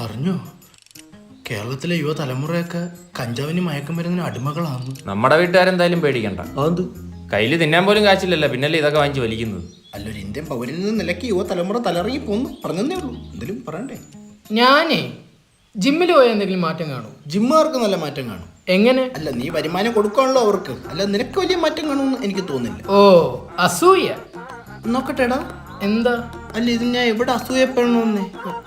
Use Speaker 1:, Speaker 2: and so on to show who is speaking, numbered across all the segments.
Speaker 1: അറിഞ്ഞോ കേരളത്തിലെ യുവതലമുറയൊക്കെ കഞ്ചാവിന് മയക്കുമരുന്നിന് അടിമകളാണ്.
Speaker 2: നമ്മുടെ വീട്ടുകാരെന്തായാലും പേടിക്കണ്ട.
Speaker 3: അത്
Speaker 2: കയ്യിൽ തിന്നാൻ പോലും കാശില്ലല്ലോ, പിന്നല്ലേ ഇതൊക്കെ വാങ്ങിച്ച് വലിക്കുന്നത്.
Speaker 1: അല്ലൊരു ഇന്ത്യൻ പൗരനിൽ നിലയ്ക്ക് യുവതലമുറ തലറങ്ങി പോന്നു പറഞ്ഞതേ ഉള്ളൂ. എന്തെങ്കിലും പറയണ്ടേ?
Speaker 4: ഞാനേ ജിമ്മിൽ പോയ എന്തെങ്കിലും മാറ്റം കാണും?
Speaker 1: ജിമ്മുകാർക്ക് നല്ല മാറ്റം കാണും.
Speaker 4: എങ്ങനെ?
Speaker 1: അല്ല നീ വരുമാനം കൊടുക്കാണല്ലോ അവർക്ക്, അല്ല നിനക്ക് വലിയ മാറ്റം കാണുമെന്ന് എനിക്ക് തോന്നുന്നില്ല.
Speaker 4: ഓ അസൂയ.
Speaker 1: നോക്കട്ടെടാ
Speaker 4: എന്താ?
Speaker 1: അല്ല ഇത് ഞാൻ എവിടെ അസൂയപ്പെടണമെന്നേ.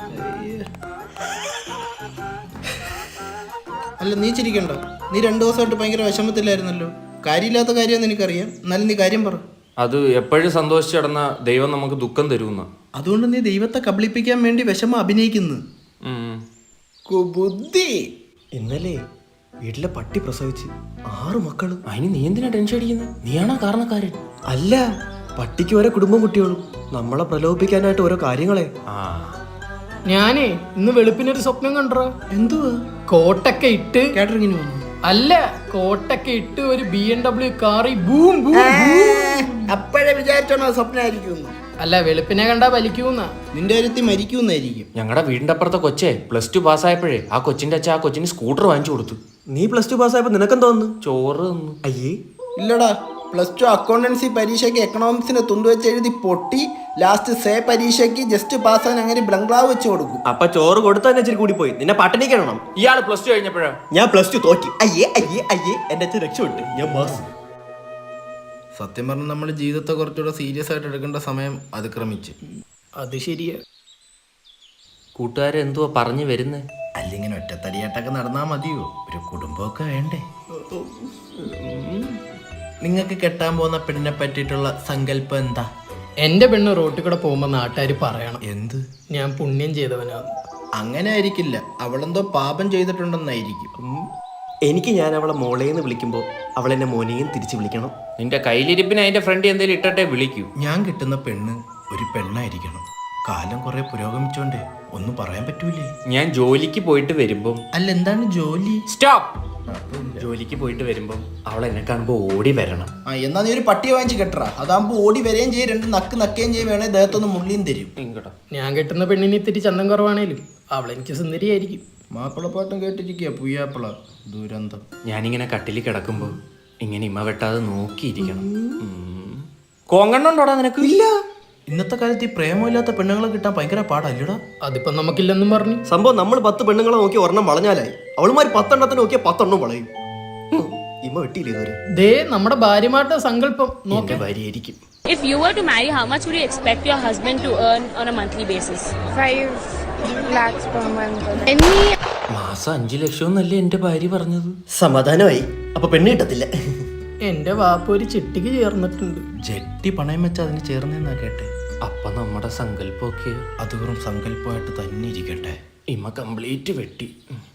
Speaker 1: അല്ല നീ ചിരിക്കണ്ട, നീ 2 ദിവസമായിട്ട് ഭയങ്കര വിഷമത്തിലായിരുന്നല്ലോ. കാര്യമില്ലാത്ത കാര്യമെന്ന് എനിക്കറിയാം, എന്നാലും നീ കാര്യം പറ.
Speaker 2: അത് എപ്പോഴും സന്തോഷിച്ച് കിടന്ന ദൈവം നമുക്ക് ദുഃഖം തരുമെന്ന.
Speaker 1: അതുകൊണ്ട് നീ ദൈവത്തെ കബളിപ്പിക്കാൻ വേണ്ടി വിഷമം അഭിനയിക്കുന്നു. ബുദ്ധി.
Speaker 3: ഇന്നലെ വീട്ടിലെ പട്ടി പ്രസവിച്ച് 6 മക്കള്.
Speaker 2: അതിന് നീ എന്തിനാ ടെൻഷൻ അടിക്കുന്നത്? നീയാണോ കാരണക്കാരൻ?
Speaker 3: അല്ല, പട്ടിക്ക് ഓരോ കുടുംബം കുട്ടികളും. നമ്മളെ പ്രലോഭിപ്പിക്കാനായിട്ട് ഓരോ കാര്യങ്ങളെ.
Speaker 4: ഞാനേ ഇന്ന് വെളുപ്പിനൊരു സ്വപ്നം കണ്ടോ.
Speaker 1: എന്തുവാ?
Speaker 4: കോട്ടൊക്കെ ഇട്ട്
Speaker 1: കാറ്ററിങ്ങിന് വന്നു.
Speaker 4: അല്ല, കോട്ടൊക്കെ ഇട്ട് ഒരു BMW കാറി ബൂം ബൂം.
Speaker 1: അപ്പോഴേ വിചാരിച്ചോണോ സ്വപ്നമായിരിക്കും.
Speaker 4: അല്ല, വെളുപ്പിനെ കണ്ടാ വലിക്കൂന്ന.
Speaker 1: നിന്റെ കാര്യത്തിൽ മരിക്കുന്നായിരിക്കും.
Speaker 2: ഞങ്ങളുടെ വീടിന്റെ അപ്പുറത്തെ കൊച്ചേ +2 പാസ്സായപ്പോഴേ ആ കൊച്ചിന്റെ അച്ഛൻ ആ കൊച്ചിന് സ്കൂട്ടർ വാങ്ങിച്ചു കൊടുത്തു.
Speaker 3: നീ +2 പാസ്സായപ്പോ നിനക്കെന്താ തോന്നുന്നു?
Speaker 2: ചോറ് തന്നു.
Speaker 3: അയ്യേ
Speaker 1: ഇല്ലടാ, +2 അക്കൗണ്ടൻസി പരീക്ഷയ്ക്ക് എക്കണോമിക്സിന് തുണ്ടുവെച്ച് എഴുതി പൊട്ടി. ലാസ്റ്റ് സേ പരീക്ഷയ്ക്ക് ജസ്റ്റ് പാസ്സാൻ അങ്ങനെ ബംഗ്ലാവ് വെച്ച് കൊടുക്കും.
Speaker 3: അപ്പൊ ചോറ് കൊടുത്താൽ ഇച്ചിരി കൂടി പോയി. നിന്നെ പട്ടിണിക്കണം.
Speaker 2: ഇയാള് +2 കഴിഞ്ഞപ്പോഴാ
Speaker 3: ഞാൻ +2 തോറ്റി. അയ്യേ അയ്യേ അയ്യേ, എന്റെ അച്ഛൻ രക്ഷപ്പെട്ടു. ഞാൻ പാസ്.
Speaker 1: സത്യം പറഞ്ഞാൽ നമ്മൾ ജീവിതത്തെ കുറച്ചുകൂടെ സീരിയസ് ആയിട്ട് എടുക്കേണ്ട സമയം അതിക്രമിച്ച്.
Speaker 4: അത് ശരിയാ.
Speaker 2: കൂട്ടുകാരെന്തുവാ പറഞ്ഞു വരുന്നേ?
Speaker 1: അല്ലെങ്കിൽ ഒറ്റത്തടിയായിട്ടൊക്കെ നടന്നാൽ മതിയോ? ഒരു കുടുംബമൊക്കെ വേണ്ടേ? നിങ്ങൾക്ക് കെട്ടാൻ പോകുന്ന പെണ്ണിനെ പറ്റിയിട്ടുള്ള സങ്കല്പം എന്താ?
Speaker 4: എന്റെ പെണ്ണ് റോട്ടിൽ കൂടെ പോകുമ്പോ നാട്ടുകാർ പറയണം
Speaker 1: എന്ത്?
Speaker 4: ഞാൻ പുണ്യം ചെയ്തവനാണ്.
Speaker 1: അങ്ങനെ ആയിരിക്കില്ല, അവളെന്തോ പാപം ചെയ്തിട്ടുണ്ടെന്നായിരിക്കും.
Speaker 3: എനിക്ക് ഞാൻ അവളെ മോളേന്ന് വിളിക്കുമ്പോ അവളെന്നെ മോനെയും തിരിച്ചു വിളിക്കണം.
Speaker 2: നിന്റെ കയ്യിലിരിപ്പിന് അതിന്റെ ഫ്രണ്ട് എന്തെങ്കിലും ഇട്ടട്ടെ വിളിക്കൂ.
Speaker 1: ഞാൻ കിട്ടുന്ന പെണ്ണ് ഒരു പെണ്ണായിരിക്കണം. കാലം കുറെ പുരോഗമിച്ചോണ്ടേ ഒന്നും പറയാൻ പറ്റൂലേ.
Speaker 2: ഞാൻ ജോലിക്ക് പോയിട്ട് വരുമ്പോ.
Speaker 1: അല്ല എന്താണ് ജോലി?
Speaker 2: സ്റ്റോപ്പ്. ജോലിക്ക് പോയിട്ട് വരുമ്പോ അവൾ എന്നെ കാണുമ്പോ ഓടി വരണം.
Speaker 1: എന്നാ നീ ഒരു പട്ടിയെ വാങ്ങിച്ച് കെട്ടറാ. അതാകുമ്പോ ഓടി വരെയും ചെയ്യും, 2 നക്ക് നക്കുകയും ചെയ്യും, വേണേ ദേഹത്തൊന്ന് മുള്ളിയും തരും.
Speaker 4: ഞാൻ കെട്ടുന്ന പെണ്ണിന് ഇത്തിരി ചന്തം കുറവാണേലും അവളെനിക്ക് സുന്ദരിയായിരിക്കും.
Speaker 1: മാപ്പിളപ്പാട്ടും കേട്ടിരിക്കുക പുയ്യാപ്പിള ദുരന്തം.
Speaker 2: ഞാനിങ്ങനെ കട്ടിൽ കിടക്കുമ്പോ ഇങ്ങനെ ഇമ്മ വെട്ടാതെ നോക്കിയിരിക്കണം. കോങ്കണ്ണുണ്ടോടാ നിനക്ക്?
Speaker 1: ഇല്ല. ഇന്നത്തെ കാലത്ത് ഈ പ്രേമമില്ലാത്ത പെണ്ണുങ്ങളെ കിട്ടാൻ ഭയങ്കര പാടല്ലടാ.
Speaker 4: അതിപ്പോ നമുക്കില്ലെന്നും പറഞ്ഞു.
Speaker 3: സംഭവം നമ്മൾ 10 പെണ്ണുങ്ങളെ നോക്കി ഒരെണ്ണം വളഞ്ഞാലായി. അവളുമാര് 10 എണ്ണത്തിന് നോക്കിയാൽ 10 എണ്ണം വളയും. ഇമ്മ വെട്ടിയില്ലേ ഇതുവരെ?
Speaker 4: ദേ നമ്മുടെ ഭാര്യമാരുടെ സങ്കല്പം
Speaker 2: നോക്കി ഭാര്യയായിരിക്കും.
Speaker 5: If you were to marry, how much would you expect your husband to earn on a monthly basis?
Speaker 6: 5 lakhs per month.
Speaker 2: മാസം 5 ലക്ഷം എന്നല്ലേ എന്റെ ഭാര്യ പറഞ്ഞത്.
Speaker 3: സമാധാനമായി. അപ്പൊ പെണ്ണ് കിട്ടത്തില്ല.
Speaker 4: എന്റെ വാപ്പ ഒരു ചിട്ടിക്ക് ചേർന്നിട്ടുണ്ട്.
Speaker 1: ജെട്ടി പണയം വെച്ച് അതിന് ചേർന്നെന്നാ കേട്ടെ.
Speaker 2: അപ്പൊ നമ്മുടെ സങ്കല്പമൊക്കെ
Speaker 1: അത് വെറും സങ്കല്പമായിട്ട് തന്നെ ഇരിക്കട്ടെ.
Speaker 2: ഇമ്മ കംപ്ലീറ്റ് വെട്ടി.